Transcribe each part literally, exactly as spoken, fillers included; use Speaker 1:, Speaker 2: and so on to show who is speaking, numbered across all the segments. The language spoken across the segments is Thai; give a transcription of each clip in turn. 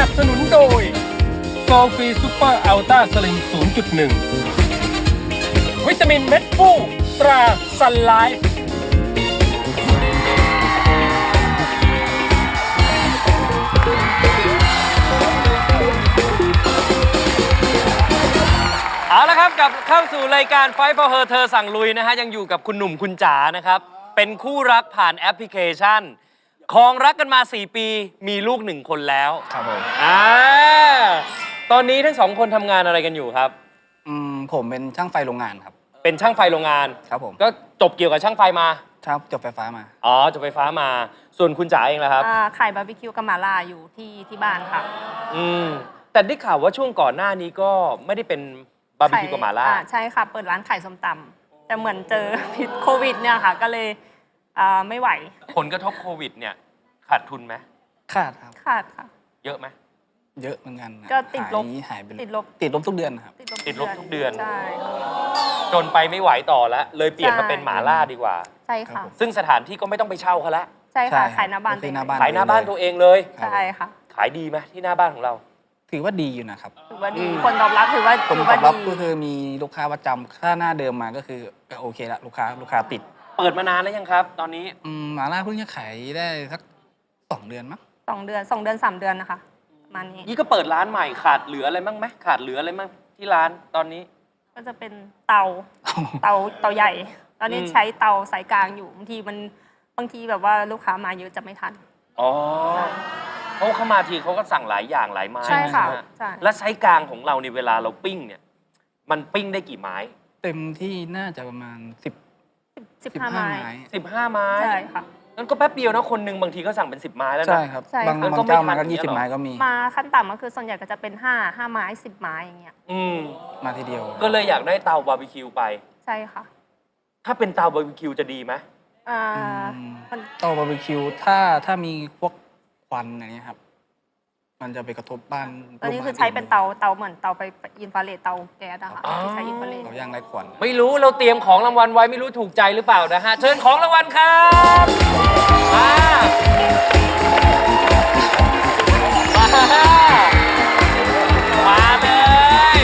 Speaker 1: นับสนุนโดยโซฟีซูเปอร์อัลต้าสลิม ศูนย์จุดหนึ่ง วิตามินเม็ดฟูตราซันไลฟ์
Speaker 2: เอาละครับกลับเข้าสู่รายการ Fight for Her เธอสั่งลุยนะฮะยังอยู่กับคุณหนุ่มคุณจ๋านะครับเป็นคู่รักผ่านแอปพลิเคชันครองรักกันมาสี่ปีมีลูกหนึ่งคนแล้ว
Speaker 3: ครับผม
Speaker 2: อ่าตอนนี้ทั้งสองคนทำงานอะไรกันอยู่ครับ
Speaker 3: อืมผมเป็นช่างไฟโรงงานครับ
Speaker 2: เป็นช่างไฟโรงงาน
Speaker 3: ครับผม
Speaker 2: ก็จบเกี่ยวกับช่างไฟมา
Speaker 3: ครับจบไฟฟ้ามา
Speaker 2: อ๋อจบไฟฟ้ามาส่วนคุณจ๋าเองล่ะครับ
Speaker 4: ขายบาร์บีคิวกับหม่าล่าอยู่ที่ที่บ้านค่ะ
Speaker 2: อืมแต่ได้ข่าวว่าช่วงก่อนหน้านี้ก็ไม่ได้เป็นบาร์บีคิวกับหม่าล่า
Speaker 4: ใช่ค่ะเปิดร้านขายส้มตำแต่เหมือนเจอพิษโควิดเนี่ยค่ะก็เลยไม่ไหว
Speaker 2: ผลกระทบโควิดเนี่ยขาดทุนไหม
Speaker 3: ขาดครับ
Speaker 4: ขาดค่ะ
Speaker 2: เยอะไหม
Speaker 3: เยอะเหมือนกัน
Speaker 4: ก็ติดลบ
Speaker 3: หายไป
Speaker 4: ติดลบ
Speaker 3: ติดลบทุกเดือนครับ
Speaker 2: ติดลบทุกเดือน
Speaker 4: ใช่
Speaker 2: จนไปไม่ไหวต่อแล้วเลยเปลี่ยนมาเป็นหม่าล่าดีกว่า
Speaker 4: ใช่ค่ะ
Speaker 2: ซึ่งสถานที่ก็ไม่ต้องไปเช่าเขาละ
Speaker 4: ใช่ค่ะขายหน้าบ้านตัวเอง
Speaker 2: ขายหน้าบ้านตัวเองเลย
Speaker 4: ใช่ค่ะ
Speaker 2: ขายดีไหมที่หน้าบ้านของเรา
Speaker 3: ถือว่าดีอยู่นะครับ
Speaker 4: ถือว่าดีคนตอบรับถือว่า
Speaker 3: คนตอบรับก็คือมีลูกค้าประจำค่าหน้าเดิมมาก็คือโอเคละลูกค้าลูกค้าติด
Speaker 2: เปิดมานานแล้วยังครับตอนนี้
Speaker 3: อืมหม่าล่าเพิ่งจะขายได้สักสองเดือนมั้ง
Speaker 4: สองเดือนสองเดือนสามเดือนนะคะประมาณนี้
Speaker 2: นี่ก็เปิดร้านใหม่ขาดเหลืออะไรบ้างไหมขาดเหลืออะไรบ้างที่ร้านตอนนี้
Speaker 4: ก็จะเป็นเตาเตาเตาใหญ่ตอนนี้ใช้เตาสายกลางอยู่บางทีมันบางทีแบบว่าลูกค้ามาเยอะจะไม่ทัน
Speaker 2: อ๋อเพราะเขามาทีเขาก็สั่งหลายอย่างหลายไม้
Speaker 4: ใช่ค่ะใช่
Speaker 2: และไซส์กลางของเราในเวลาเราปิ้งเนี่ยมันปิ้งได้กี่ไม้
Speaker 3: เต็มที่น่าจะประมาณสิบ
Speaker 4: สิบห้าไม้
Speaker 2: สิบห้าไม้
Speaker 4: ใช่ค่ะ
Speaker 2: นั่นก็แป๊บเดียวนะคนหนึ่งบางทีก็สั่งเป็นสิบไม้แล้วนะ
Speaker 3: ใช่ครับบางบางเจ้ามาก็ยี่สิบไม้ก็มี
Speaker 4: มาขั้นต่ำก็คือส่วนใหญ่ก็จะเป็นห้าห้าไม้สิบไม้อย่างเงี้ย
Speaker 2: อืม
Speaker 3: มาทีเดียว
Speaker 2: ก็เลยอยากได้เตาบาร์บีคิวไป
Speaker 4: ใช่ค่ะ
Speaker 2: ถ้าเป็นเตาบาร์บีคิวจะดีไหม
Speaker 4: อ่า
Speaker 3: เตาบาร์บีคิวถ้าถ้ามีพวกควันอะไรเงี้ยครับมันจะไปกระทบบ้าน
Speaker 4: ตอนนี้คือใช้เป็นเตาเตาเหมือนเตาไฟอินฟราเรดเตาแก๊สอะค่ะที่ใช้อินฟราเรด
Speaker 3: เราย่างไร้ควัน
Speaker 2: ไม่รู้เราเตรียมของรางวัลไว้ไม่รู้ถูกใจหรือเปล่านะฮะเชิญของรางวัลครับมามาเลย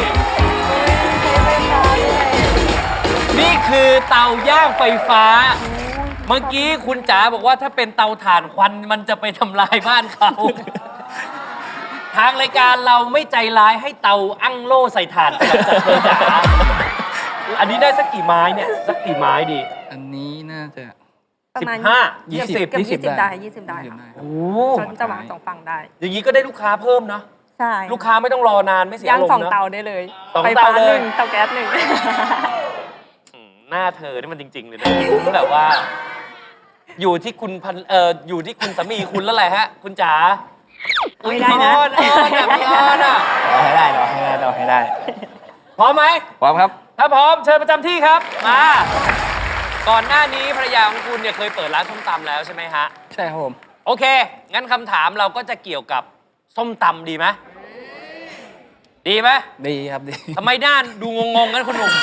Speaker 2: นี่คือเตาย่างไฟฟ้าเมื่อกี้คุณจ๋าบอกว่าถ้าเป็นเตาถ่านควันมันจะไปทำลายบ้านเขาทางรายการเราไม่ใจร้ายให้เตาอั้งโล่ใส่ถ่านกับเธอจ๋าอันนี้ได้สักกี่ไม้เนี่ยสักกี่ไม้ดี
Speaker 3: อันนี้น่าจะ
Speaker 2: สิบห้า
Speaker 3: ยี่สิบ
Speaker 4: ยี่สิบได้ยี่สิบได้
Speaker 2: โอ้
Speaker 4: ชนจะวางสองฝั่งได้
Speaker 2: อย่างนี้ก็ได้ลูกค้าเพิ่มเนาะ
Speaker 4: ใช่
Speaker 2: ลูกค้าไม่ต้องรอนานไม่เสียอารมณ์เนาะ
Speaker 4: ย่างสองเตาได้เลย
Speaker 2: ไฟฟ้าหนึ่ง
Speaker 4: เตาแก๊สหนึ่ง
Speaker 2: หน้าเธอนี่มันจริงๆเลยนะแบบว่าอยู่ที่คุณพันเอ่ออยู่ที่คุณสามีคุณแล้วแหละฮะคุณจ๋า
Speaker 4: ไม่ได้นะ
Speaker 2: อ้อนอ้อนแบบอ้อนอ่ะ
Speaker 3: เราให้ได้เราให้ได้เราให้ได้
Speaker 2: พร้อมไหม
Speaker 3: พร้อมครับ
Speaker 2: ถ้าพร้อมเชิญประจำที่ครับมาก่อนหน้านี้ภรรยาของคุณเนี่ยเคยเปิดร้านส้มตำแล้วใช่ไหมฮะ
Speaker 3: ใช่ครับผม
Speaker 2: โอเคงั้นคำถามเราก็จะเกี่ยวกับส้มตำดีไหมดีไหม
Speaker 3: ดีครับดี
Speaker 2: ทำไมด้านดูงงๆกันคุณหนุ่ม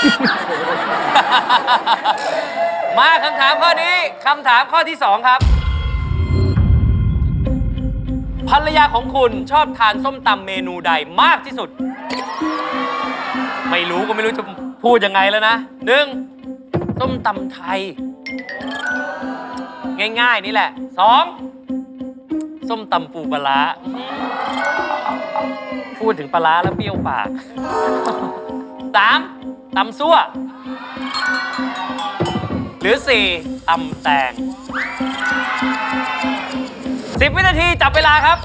Speaker 2: มาคำถามข้อนี้คำถามข้อที่สองครับภรรยาของคุณชอบทานส้มตำเมนูใดมากที่สุดไม่รู้ก็ไม่รู้จะพูดยังไงแล้วนะหนึ่งส้มตำไทยง่ายๆนี่แหละสองส้มตำปูปลาร้าพูดถึงปลาร้าแล้วเปรี้ยวปากสามตำซั่วหรือสี่ตำแตงสิบวินาทีจับเวลาครับ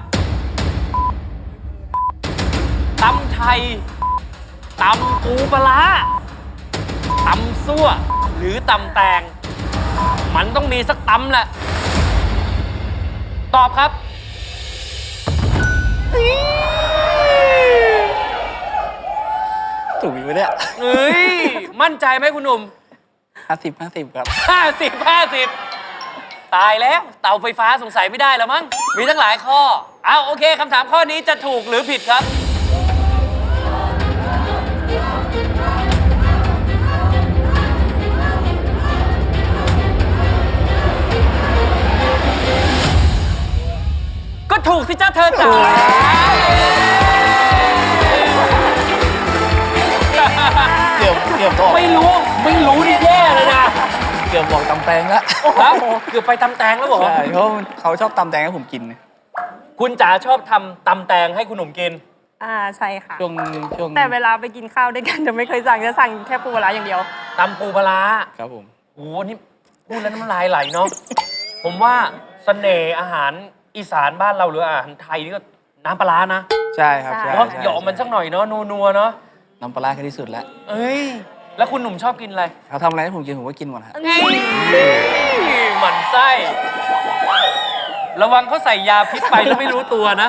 Speaker 2: ตำไทยตำปูปลาร้าตำซั่วหรือตำแตงมันต้องมีสักตำแหละตอบครับ
Speaker 3: ถูกไหมเนี่ย
Speaker 2: เฮ้ยมั่นใจไหมคุณหนุ่ม
Speaker 3: ห้าสิบห้าสิบครับ
Speaker 2: ห้าสิบห้าสิบตายแล้วเตาไฟฟ้าสงสัยไม่ได้แล้วมั้งมีทั้งหลายข้อเอาโอเคคำถามข้อนี้จะถูกหรือผิดครับก็ถูกสิจ้าเธอจ๋า
Speaker 3: เกือบเกือบบอก
Speaker 2: ไม่รู้ไม่รู้นี่แย่เลยนะ
Speaker 3: เกือบบอกตำแตงแล้ว
Speaker 2: ครับเกือบไปตำแตงแล้วเหรอ
Speaker 3: ใช่เพราะเขาชอบตำแตงให้ผมกิน
Speaker 2: คุณจ๋าชอบทำตำแตงให้คุณหนุ่มกิน
Speaker 4: อ่าใช่ค่ะ
Speaker 3: ช่วงช่วง
Speaker 4: แต่เวลาไปกินข้าวด้วยกันจะไม่เคยสั่งจะสั่งแค่ปูปลาร้าอย่างเดียว
Speaker 2: ตำปูปลาร้า
Speaker 3: ครับผม
Speaker 2: โอ้โหนี่พูดแล้วน้ำลายไหลเนาะ ผมว่าเสน่ห์อาหารอีสานบ้านเราหรืออาหารไทยนี่ก็น้ำปลาร้านะ
Speaker 3: ใช่ครับ
Speaker 4: ใช่
Speaker 3: ใช่
Speaker 2: เนาะ
Speaker 3: ใช่
Speaker 2: หยอกมันสักหน่อยเนาะนัวๆเนาะ
Speaker 3: น้ำปลาร้าแค่ที่สุดแล้ว
Speaker 2: เอ้ย แล้วคุณหนุ่มชอบกินอะไร
Speaker 3: เขาทำอะไรให้ผมกินผมก็กินหมดฮะ
Speaker 2: นี่หมั่นไส้ ระวังเขาใส่ยาพิษไปแล้วไม่รู้ตัวนะ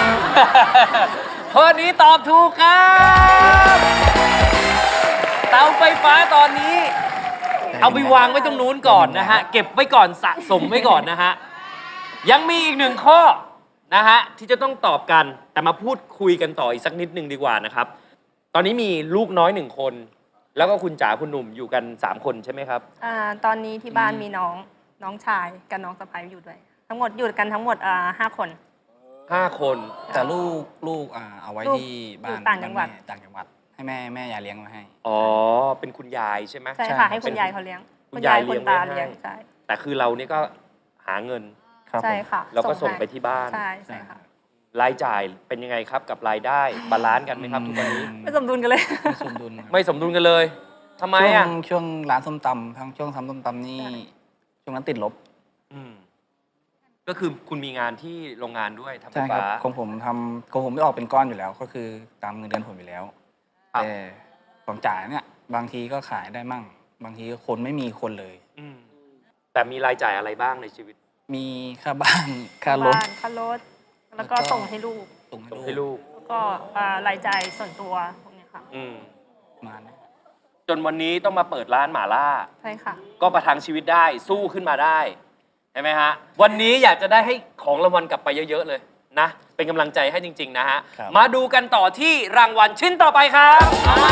Speaker 2: ข้อนี้ตอบถูกครับ เตาไฟฟ้าตอนนี้ เอาไปวางไว้ตรงนู้นก่อนนะฮะ เก็บไว้ก่อนสะสมไว้ก่อนนะฮะ ยังมีอีกหนึ่งข้อนะฮะที่จะต้องตอบกัน แต่มาพูดคุยกันต่ออีกสักนิดนึงดีกว่านะครับ ตอนนี้มีลูกน้อยหนึ่งคน แล้วก็คุณจ๋าคุณหนุ่มอยู่กันสามคนใช่ไหมครับ
Speaker 4: อ่าตอนนี้ที่บ้านมีน้องน้องชายกับน้องสะใภ้อยู่ด้วย ทั้งหมดอยู่กันทั้งหมดอ่าห้าคน
Speaker 2: ห้าคน
Speaker 3: แต่ลูกลูกอ่าเอาไว้
Speaker 4: ลูก
Speaker 3: ที่บ้า
Speaker 4: อยู่
Speaker 3: น
Speaker 4: ต่างจังหวัด
Speaker 3: บ้นแม่ต่างจังหวัด ให้แม่แม่ยายเลี้ยงมาให้
Speaker 2: อ๋อ เป็นคุณยายใช่ไหม
Speaker 4: ใช่
Speaker 3: ใช่
Speaker 4: ค่ะ
Speaker 3: ครับ
Speaker 4: ให้คุณยายเขาเลี้ยง
Speaker 2: คุ
Speaker 4: คุณ ณ
Speaker 2: ยาย
Speaker 4: ยาย
Speaker 2: เลี้
Speaker 4: คุ
Speaker 2: ยง
Speaker 4: ณตา
Speaker 2: ไว้ให้
Speaker 4: เลี้ยงใช่
Speaker 2: แต่คือเรานี่ก็หาเงิน
Speaker 3: ครับ
Speaker 4: ใช่
Speaker 3: ผม
Speaker 4: ค่ะ
Speaker 2: เราก็ส่ง
Speaker 4: ให้
Speaker 2: ไปที่บ้าน
Speaker 4: ใช่ใช่ค่ะ
Speaker 2: รายจ่ายเป็นยังไงครับกับรายได้ บาลานซ์กันไหมครับทุกวันนี้
Speaker 4: ไม่สมดุลกันเลย
Speaker 3: ไม่สมดุลครับ
Speaker 2: ไม่สมดุลกันเลยทำไม
Speaker 3: ช่ว
Speaker 2: อ่ะ
Speaker 3: งช่วงร้านส้มตำทั้งช่วงทำส้มตำนี่ช่วงนั้นติดลบ
Speaker 2: อืมก็คือคุณมีงานที่โรงงานด้วยทำไฟ
Speaker 3: ใช่ครับ
Speaker 2: ฟ้า
Speaker 3: ของผมทำของผมไม่ออกเป็นก้อนอยู่แล้ว ก็คือตามเงินเดือนผมอยู่แล้ว
Speaker 2: ครับ
Speaker 3: แต่ของจ่ายเนี่ยบางทีก็ขายได้มั่ง บางทีก็คนไม่มีคนเลย
Speaker 2: อืมแต่มีรายจ่ายอะไรบ้างในชีวิต
Speaker 3: มีค่าบ้าน ค่ารถ
Speaker 4: บ้านค่ารถ แล้วก็
Speaker 3: แล้วก็
Speaker 4: ส่งให้ลูก
Speaker 3: ส่ง
Speaker 2: ส่ง
Speaker 3: ให้
Speaker 2: ให้
Speaker 3: ลูก
Speaker 2: ลูก
Speaker 4: แล้วก็อ่ารายจ่ายส่วนตัวพวกเนี้ยค่ะ
Speaker 2: อืม
Speaker 3: มาเนี่ย
Speaker 2: จนวันนี้ต้องมาเปิดร้านหม่าล่า
Speaker 4: ใช่ค่ะ
Speaker 2: ก็ประทังชีวิตได้สู้ขึ้นมาได้ใช่ไหมฮะ วันนี้อยากจะได้ให้ของรางวัลกลับไปเยอะ ๆ เลยนะ เป็นกำลังใจให้จริง ๆ นะฮะ มาดูกันต่อที่รางวัลชิ้นต่อไปครับ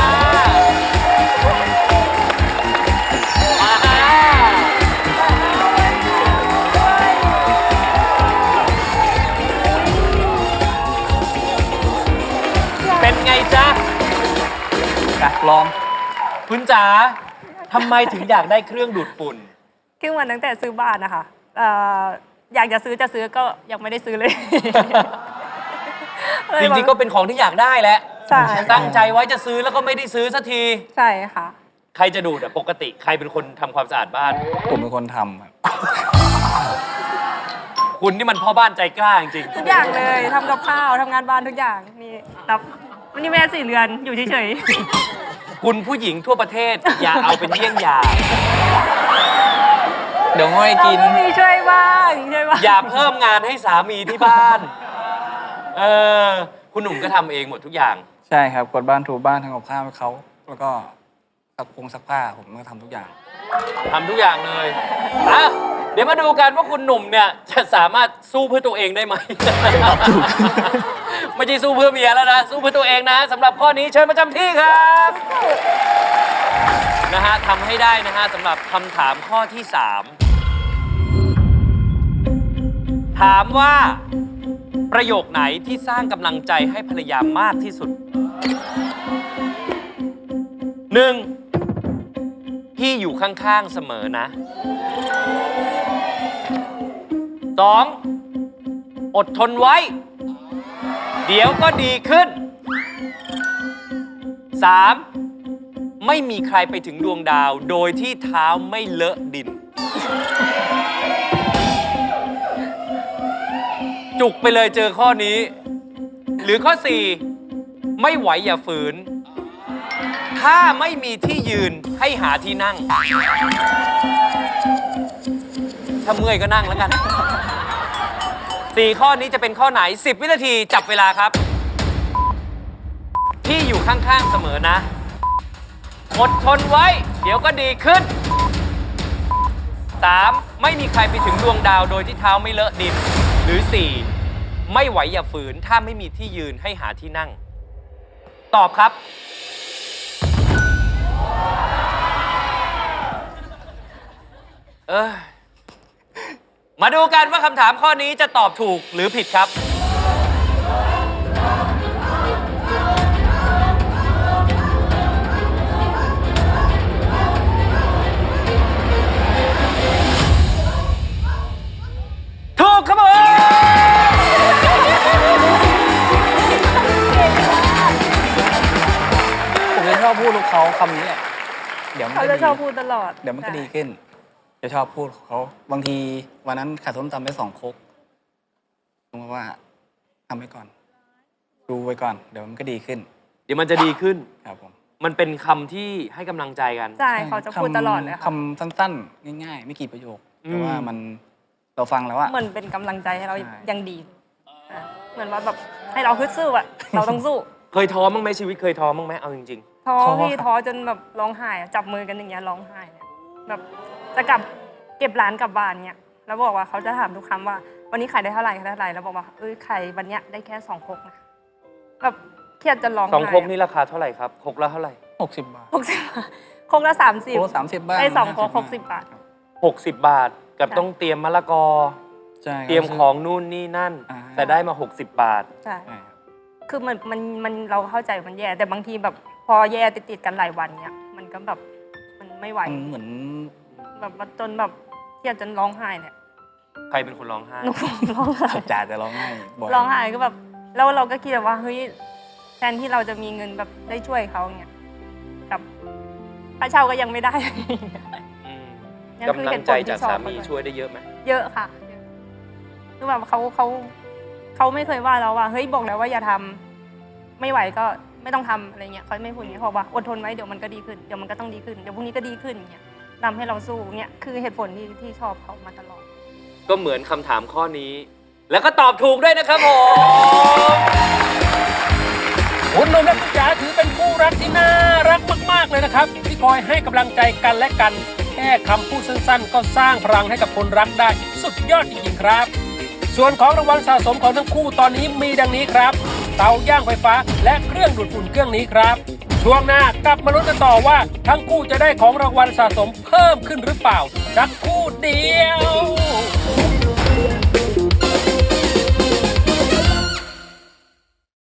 Speaker 2: มามาเป็นไงจ๊ะ
Speaker 3: อ่ะลอง
Speaker 2: คุณจ๋าทำไมถึงอยากได้เครื่องดูดฝุ่น
Speaker 4: คือวันตั้งแต่ซื้อบ้านนะคะเอ่ออยากจะซื้อจะซื้อก็ยังไม่ได้ซื้อเลย
Speaker 2: จริงๆก็เป็นของที่อยากได้แหละ
Speaker 4: ใช่
Speaker 2: ตั้งใจไว้จะซื้อแล้วก็ไม่ได้ซื้อสักที
Speaker 4: ใช่ค่ะ
Speaker 2: ใครจะดูดอะปกติใครเป็นคนทำความสะอาดบ้าน
Speaker 3: ผมเป็นคนทำครับ
Speaker 2: คุณนี่มันพ่อบ้านใจกล้าจริง
Speaker 4: ทุกอย่างเลยทำกับข้าวทำงานบ้านทุกอย่างนี่รับวันนี้แม่สี่เรือนอยู่เฉย
Speaker 2: ๆคุณผู้หญิงทั่วประเทศ อย่าเอาเป็นเยี่ยงอย่าง
Speaker 3: เดี๋ยวง่อย
Speaker 4: ๆเรา
Speaker 3: กิน
Speaker 4: ก็มีช่วยบ้างช่วยบ้าง
Speaker 2: อย่าเพิ่มงานให้สามีที่บ้าน เออ คุณหนุ่มก็ทำเองหมดทุกอย่าง
Speaker 3: ใช่ครับกดบ้านถูบ้านทำกับข้าวให้เขา แล้วก็ซักพงซักผ้าผมก็ทำทุกอย่าง
Speaker 2: ทำทุกอย่างเลยอ่ะเดี๋ยวมาดูกันว่าคุณหนุ่มเนี่ยจะสามารถสู้เพื่อตัวเองได้ไหม ไม่ใช่สู้เพื่อเมียแล้วนะ สู้เพื่อตัวเองนะสำหรับข้อนี้เชิญประจำที่ครับนะฮะทำให้ได้นะฮะสำหรับคำถามข้อที่สามถามว่าประโยคไหนที่สร้างกำลังใจให้ภรรยามากที่สุดหนึ่งพี่อยู่ข้างๆเสมอนะสองอดทนไว้ เดี๋ยวก็ดีขึ้นสามไม่มีใครไปถึงดวงดาวโดยที่เท้าไม่เลอะดิน จุกไปเลยเจอข้อนี้ หรือข้อสี่ไม่ไหวอย่าฝืน ถ้าไม่มีที่ยืนให้หาที่นั่ง ถ้าเมื่อยก็นั่งแล้วกัน สี่ข้อนี้จะเป็นข้อไหนสิบวินาทีจับเวลาครับ พี่อยู่ข้างๆเสมอนะ อดทนไว้ เดี๋ยวก็ดีขึ้น สาม ไม่มีใครไปถึงดวงดาวโดยที่เท้าไม่เลอะดิน หรือ สี่ ไม่ไหวอย่าฝืน ถ้าไม่มีที่ยืนให้หาที่นั่ง ตอบครับ เออมาดูกันว่าคำถามข้อนี้จะตอบถูกหรือผิดครับ
Speaker 3: คำนี้แหละเดี๋ยวมัน
Speaker 4: เขา
Speaker 3: ก็
Speaker 4: จะ
Speaker 3: ดี
Speaker 4: ชอบพูดตลอด
Speaker 3: เดี๋ยวมันก็
Speaker 4: ใช่
Speaker 3: ดีขึ้น จะชอบพูดของเขาบางทีวันนั้นขาดส้มตำไปสองครกผมบอกว่าทำไปก่อน ดูไว้ก่อน เดี๋ยวมันก็ดีขึ้น
Speaker 2: เดี๋ยวมันจะดีขึ้น
Speaker 3: ครับผม
Speaker 2: มันเป็นคำที่ให้กำลังใจกัน
Speaker 4: ใช่เขาจะพูดตลอดเลยค่ะ
Speaker 3: คำสั้นๆ ง่าย ๆ ไม่กี่ประโยค
Speaker 2: อืม
Speaker 3: แต่ว่ามันเราฟังแล้วอะ
Speaker 4: เหมือนเป็นกำลังใจให้เรา
Speaker 3: ใช่
Speaker 4: ยังดีอ่ะเหมือนว่าแบบให้เราฮึดสู้อะเราต้องสู้
Speaker 2: เคยท้อบ้างไหมชีวิตเคยท้อบ้างไหมเอาจริง
Speaker 4: ท้อ
Speaker 3: ท้อ
Speaker 4: พี่
Speaker 3: ครับ
Speaker 4: ท้อจนแบบร้องไห้อะจับมือกันอย่างเงี้ยร้องไห้เนี่ยแบบจะกลับเก็บร้านกลับบ้านเนี่ยแล้วบอกว่าเขาจะถามทุกคำว่า วันนี้ขายได้เท่าไหร่ขายได้เท่าไหร่แล้วบอกว่าเอ้ยขายวันเนี้ยได้แค่สองครกนะแบบเครียดจนร้อง
Speaker 2: ๆ
Speaker 4: ไห้
Speaker 2: สองครกนี่ราคาเท่าไหร่ครับครกละเท่าไหร่
Speaker 3: หกสิบบาท
Speaker 4: หกสิบครกละสามสิบ
Speaker 3: โอ้สามสิบบ้าง
Speaker 4: ได้สองครก
Speaker 3: ห้า
Speaker 4: หกสิบบาท
Speaker 2: หกสิบบาท กับ
Speaker 4: ใช่
Speaker 2: ต้องเตรียมมะละกอ
Speaker 3: ใช่
Speaker 2: เตรียมของนู่นนี่นั่น
Speaker 3: อ่า
Speaker 2: แต่ได้มา หกสิบบาท
Speaker 4: ใช่
Speaker 3: ใช่ครับ
Speaker 4: คือมันมันมันเราเข้าใจมันแย่ แต่บางทีแบบพอแย่ติดติดๆกันหลายวันเนี่ยมันก็แบบมันไม่ไหว
Speaker 3: มันเหมือน
Speaker 4: แบบว่าจนแบบเครียดจนร้องไห้เนี่ย
Speaker 2: ใครเป็นคนร้องไห้
Speaker 4: หนูร้องไห้
Speaker 3: จ่าจะร้องไห้บ่อย
Speaker 4: ร้องไห้ก็แบบแล้วเราก็คิดแบบว่าเฮ้ยแทนที่เราจะมีเงินแบบได้ช่วยเขาเนี่ยกับค่าเช่าก็ยังไม่ได้
Speaker 2: อืม
Speaker 4: ยังคือก
Speaker 2: ำลั
Speaker 4: เห
Speaker 2: ง
Speaker 4: ตุผ
Speaker 2: ใจ
Speaker 4: ลที่
Speaker 2: จาก
Speaker 4: ชอบ
Speaker 2: สา
Speaker 4: เขา
Speaker 2: มี
Speaker 4: ด้วย
Speaker 2: ช่วยได้เยอะไหม
Speaker 4: เยอะค่ะคือแบบเขาเขาเขาไม่เคยว่าเราว่าเฮ้ยบอกแล้วว่าอย่าทำไม่ไหวก็ไม่ต้องทำอะไรเงี้ยเขาไม่พูดอย่างนี้เขาบอกว่าอดทนไว้เดี๋ยวมันก็ดีขึ้นเดี๋ยวมันก็ต้องดีขึ้นเดี๋ยวพรุ่งนี้ก็ดีขึ้นอย่างเงี้ยทำให้เราสู้เนี่ยคือเหตุผลที่ที่ชอบเขามาตลอด
Speaker 2: ก็เหมือนคำถามข้อนี้ แล้วก็ตอบถูกด้วยนะครับผม
Speaker 1: คุณหนุ่มและคุณจ๋าถือเป็นคู่รักที่น่ารักมากๆเลยนะครับ ที่คอยให้กำลังใจกันและกัน แค่คำพูดสั้นๆ ก็สร้างพลังให้กับคนรักได้ สุดยอดจริงๆครับ ส่วนของรางวัลสะสมของทั้งคู่ตอนนี้มีดังนี้ครับ เตาย่างไฟฟ้าและเครื่องดูดฝุ่นเครื่องนี้ครับ ช่วงหน้ากลับมาลุ้นกันต่อว่าทั้งคู่จะได้ของรางวัลสะสมเพิ่มขึ้นหรือเปล่าสักครู่เดียว